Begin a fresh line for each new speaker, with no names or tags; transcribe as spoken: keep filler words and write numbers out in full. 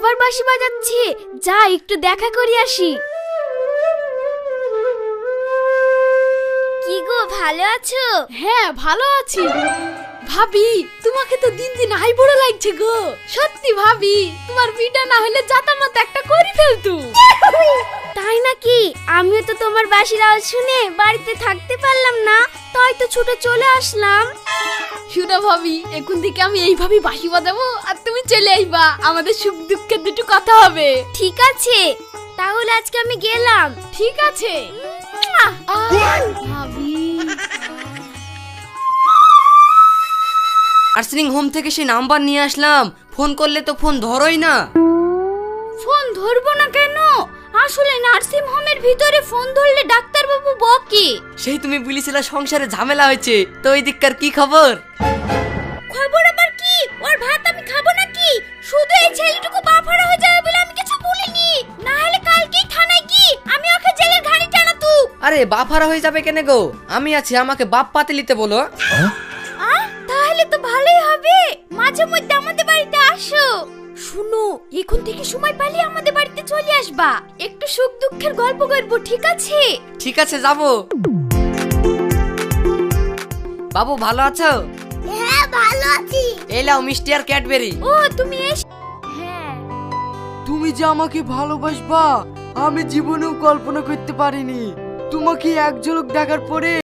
আবার বাঁশি বাজাচ্ছে, যা একটু দেখা করে আসি। কি গো, ভালো আছো?
হ্যাঁ ভালো আছি। ভাবি তোমাকে তো দিন দিন হাই বড় লাগছে গো। সত্যি ভাবি, তোমার বিটা না হলে জাতামত একটা করে ফেলতু।
তাই নাকি? আমিও তো তোমার বাঁশির আওয়াজ শুনে বাড়িতে থাকতে পারলাম না, তাই তো ছুটে চলে আসলাম।
শুনো ভাবি, এখন থেকে আমি এইভাবে বাঁশি বাজাবো আর তুমি চলে আইবা, আমাদের সুখ দুঃখের দুটো কথা হবে।
ঠিক আছে, তাহলে আজকে আমি গেলাম।
ঠিক আছে। আহ, ভাবি
নার্সিং হোম থেকে সে নাম্বার নিয়ে আসলাম, ফোন করলে তো ফোন ধরোই না।
ফোন ধরবো না কেন? আসলে নার্সিং হোমের ভিতরে ফোন ধরলে ডাক্তারবাবু বকে।
সেই তুমি বলেছিলে সংসারে ঝামেলা হয়েছে, তো ওই দিককার কি খবর?
খবর আবার কি? ওর ভাত আমি খাবো নাকি? শুধু এই ছেলেটুকু বাফারা হয়ে যাবে বলে আমি কিছু বলিনি, না হলে কালকেই থানায় কি আমি ওকে জেলের ঘানি টানাতু।
আরে বাফারা হয়ে যাবে কেন গো, আমি আছি, আমাকে বাপ পাতিলিতে বলো।
আহ, তাহলে তো ভালোই হবে। মাঝে মধ্যে আমাদের বাড়িতে আসো। শুনো, এখন থেকে সময় পেলে আমাদের বাড়িতে চলে আসবা, একটু সুখ দুঃখের গল্প করবো, ঠিক আছে?
ঠিক আছে, যাবো। বাবু ভালো আছো?
হ্যাঁ ভালো আছি।
এই লাও মিষ্টি আর ক্যাডবেরি।
ও তুমি এস। হ্যাঁ।
তুমি যে আমাকে ভালোবাসবা আমি জীবনেও কল্পনা করতে পারিনি। তোমাকে এক ঝলক দেখার পরে